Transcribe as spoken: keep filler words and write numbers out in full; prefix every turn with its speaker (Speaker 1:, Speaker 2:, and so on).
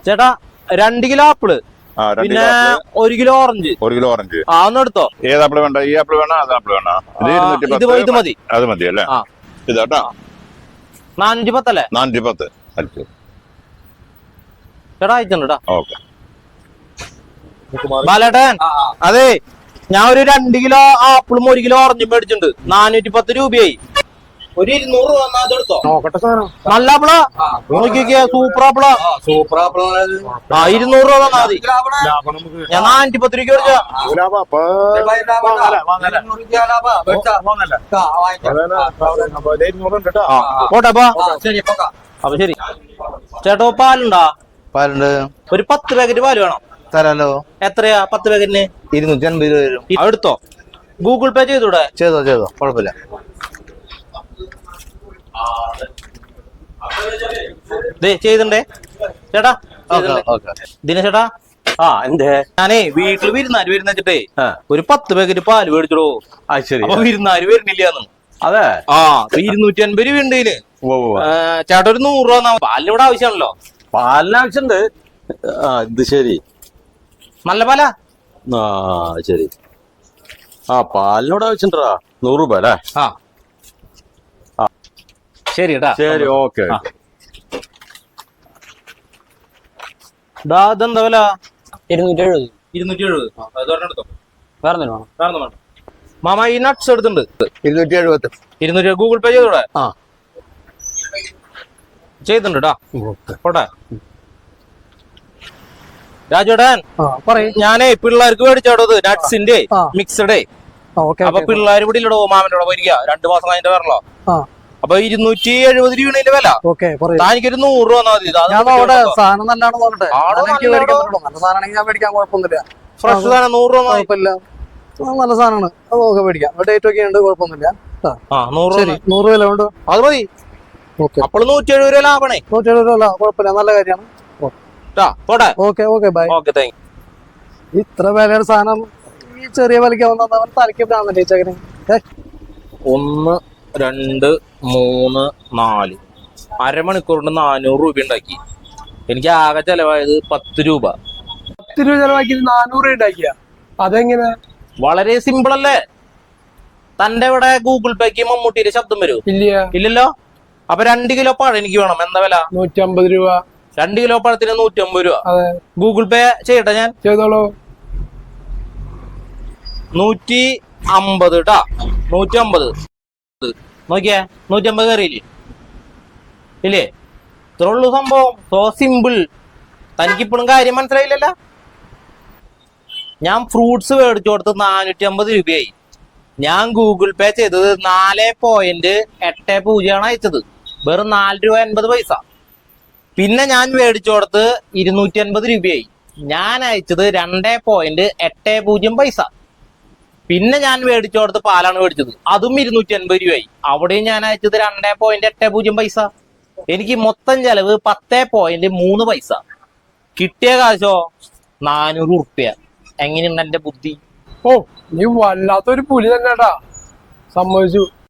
Speaker 1: ചേട്ടാ രണ്ട് kilo apple പിന്നെ ഒരു കിലോ ഓറഞ്ച്
Speaker 2: ഒരു കിലോ ഓറഞ്ച്
Speaker 1: ആ ഒന്ന് എടുത്തോ.
Speaker 2: ഏത് ആപ്പിള് വേണ്ട? ഈ ആപ്പിള് വേണോ അത് ആപ്പിള് വേണോ?
Speaker 1: ഇത് മതി.
Speaker 2: അത് മതി അല്ലേ? ഇതാട്ടോ
Speaker 1: നാനൂറ്റി പത്തല്ലേ?
Speaker 2: നാനൂറ്റി പത്ത്
Speaker 1: ചേട്ടാ അയച്ചിട്ടുണ്ട്.
Speaker 2: ഓക്കെ
Speaker 1: ബാലേട്ടൻ, അതെ ഞാൻ ഒരു രണ്ട് കിലോ ആപ്പിളും ഒരു കിലോ ഓറഞ്ചും മേടിച്ചിട്ടുണ്ട്. നാനൂറ്റി പത്ത് രൂപയായി. ഒരു ഇരുന്നൂറ് രൂപ അതെടുത്തോ. നല്ല ആപ്പിളാ, നോക്കിക്കേ, സൂപ്പർ ആപ്പിളാ.
Speaker 3: സൂപ്പർ ആപ്പിൾ
Speaker 1: ആ ഇരുന്നൂറ് രൂപ തന്നാ മതി. ഞാൻ നാനൂറ്റി പത്ത് രൂപയ്ക്ക് പോട്ടെപ്പാ. അപ്പൊ ശരി. ചേട്ടോ പാലുണ്ടാ?
Speaker 3: പാലുണ്ട്.
Speaker 1: ഒരു പത്ത് പാക്കറ്റ് പാല് വേണം.
Speaker 3: തരാലോ.
Speaker 1: എത്രയാ പത്ത് പാക്കറ്റിന്?
Speaker 3: ഇരുന്നൂറ്റി അൻപത് രൂപ വരും.
Speaker 1: എടുത്തോ. ഗൂഗിൾ പേ ചെയ്തൂടെ?
Speaker 3: ചെയ്തോ ചെയ്തോ, കുഴപ്പമില്ല.
Speaker 1: ചെയ്തിണ്ടേ ചേട്ടാ? ദിനേശേട്ടാ,
Speaker 3: ആ എന്തേ?
Speaker 1: ഞാനേ വീട്ടില് വിരുന്നാര് വരുന്ന വെച്ചിട്ടേ ഒരു പത്ത് പാക്കറ്റ് പാല് മേടിച്ചോ.
Speaker 3: ശരി.
Speaker 1: അപ്പൊ വിരുന്നാര് വരുന്നില്ലാന്ന്.
Speaker 3: അതെ.
Speaker 1: ആ ഇരുന്നൂറ്റി അൻപത് രൂപ ഉണ്ട് ഇതില്. ചേട്ടാ ഒരു നൂറ് രൂപ. പാലിന് ഇവിടെ ആവശ്യമാണല്ലോ.
Speaker 3: പാലിന് ആവശ്യമുണ്ട്. ആ ഇത് ശരി.
Speaker 1: നല്ല പാലാ?
Speaker 3: ആ ശരി. ആ പാലിനോട് ആവശ്യണ്ടാ. നൂറ് രൂപ അല്ലേ?
Speaker 1: ആ ശരി കേട്ടാ.
Speaker 3: ശരി ഓക്കെ.
Speaker 1: ഇതെന്താ വില?
Speaker 4: ഇരുന്നൂറ്റി എഴുപത്.
Speaker 1: ഇരുന്നൂറ്റി എഴുപത്.
Speaker 4: വേറെ വേണം?
Speaker 1: വേറെ മാമ ഈ നട്ട്സ് എടുത്തിട്ടുണ്ട്.
Speaker 3: ഇരുന്നൂറ്റി എഴുപത്തി
Speaker 1: ഇരുന്നൂറ്റി ഗൂഗിൾ പേ ചെയ്തൂടെ? ആ ചെയ്തിട്ടുണ്ട് കേട്ടാ. പോട്ടെ. രാജുടൻ, ഞാനേ പിള്ളേർക്ക് മേടിച്ചോടത് നട്ട്സിന്റെ മിക്സഡേ. അപ്പൊ പിള്ളേർ ഇവിടെ ഇല്ലടോ, മാമന്റെ കൂടെ പോയിരിക്കുക. രണ്ടു മാസം കഴിഞ്ഞിട്ട് വരണല്ലോ. അപ്പൊ ഇരുന്നൂറ്റി എഴുപത് രൂപയുടെ വില. താനിക്കൊരു നൂറ് രൂപ മതി. ഫ്രഷ് സാധനം നൂറ് രൂപ കുഴപ്പമില്ല.
Speaker 4: നല്ല സാധനമാണ്. അതൊക്കെ മേടിക്കാം. ഡേറ്റ് ഒക്കെ ഉണ്ട്, കുഴപ്പമൊന്നുമില്ല. നൂറ് വില ഉണ്ട്,
Speaker 1: അത് മതി. അപ്പോൾ നൂറ്റി എഴുപത് രൂപ ലാഭണേ.
Speaker 4: നൂറ്റി എഴുപത് രൂപ കുഴപ്പമില്ല, നല്ല കാര്യമാണ്.
Speaker 1: Okay okay bye. Okay thank you.
Speaker 4: ഇത്ര വിലയുടെ സാധനം ഈ ചെറിയ വിലയ്ക്ക് വന്നവൻ തലയ്ക്ക്.
Speaker 1: ഒന്ന് രണ്ട് മൂന്ന് നാല് അരമണിക്കൂർ കൊണ്ട് നാനൂറ് രൂപ ഉണ്ടാക്കി. എനിക്ക് ആകെ ചെലവായത് പത്ത് രൂപ.
Speaker 4: പത്ത് രൂപ ചെലവാക്കി നാനൂറ് രൂപ ഉണ്ടാക്കിയ അതെങ്ങനെ?
Speaker 1: വളരെ സിമ്പിൾ അല്ലേ? തന്റെ ഇവിടെ ഗൂഗിൾ പേക്ക് മമ്മൂട്ടിയുടെ ശബ്ദം വരൂ?
Speaker 4: ഇല്ല.
Speaker 1: ഇല്ലല്ലോ. അപ്പൊ രണ്ട് കിലോ പഴം എനിക്ക് വേണം. എന്താ വില?
Speaker 4: നൂറ്റി അമ്പത് രൂപ.
Speaker 1: രണ്ട് കിലോ പഴത്തിന് നൂറ്റി അമ്പത് രൂപ. ഗൂഗിൾ പേ ചെയ്യട്ടെ ഞാൻ?
Speaker 4: ചെയ്തോളൂ.
Speaker 1: നൂറ്റി അമ്പത് ട്ടാ. നൂറ്റി അമ്പത് നോക്കിയേ. നൂറ്റി അമ്പത് കയറിയില്ലേ? ഇല്ലേ? ഇത്ര ഉള്ളൂ സംഭവം. So simple. തനിക്കിപ്പോഴും കാര്യം മനസ്സിലായില്ലല്ലോ. ഞാൻ ഫ്രൂട്ട്സ് മേടിച്ചു കൊടുത്ത് നാനൂറ്റി അമ്പത് രൂപയായി. ഞാൻ ഗൂഗിൾ പേ ചെയ്തത് നാല് പോയിന്റ് എട്ട് പൂജ്യമാണ് അയച്ചത്. വെറും നാല് രൂപ എൺപത് പൈസ. പിന്നെ ഞാൻ മേടിച്ചു കൊടുത്ത് ഇരുന്നൂറ്റി അൻപത് രൂപയായി. ഞാൻ അയച്ചത് രണ്ട് പോയിന്റ് എട്ട് പൂജ്യം പൈസ. പിന്നെ ഞാൻ മേടിച്ചു കൊടുത്ത് പാലാണ് മേടിച്ചത്, അതും ഇരുന്നൂറ്റി അൻപത് രൂപയായി. അവിടെയും ഞാൻ അയച്ചത് രണ്ട് പോയിന്റ് എട്ട് പൂജ്യം പൈസ. എനിക്ക് മൊത്തം ചെലവ് പത്ത് പോയിന്റ് മൂന്ന് പൈസ. കിട്ടിയ കാശോ നാനൂറ് ഉറുപ്പ്യ. എങ്ങനെയുണ്ട് എന്റെ ബുദ്ധി?
Speaker 4: ഓ നീ വല്ലാത്തൊരു പുലി തന്നെടാ, സമ്മതിച്ചു.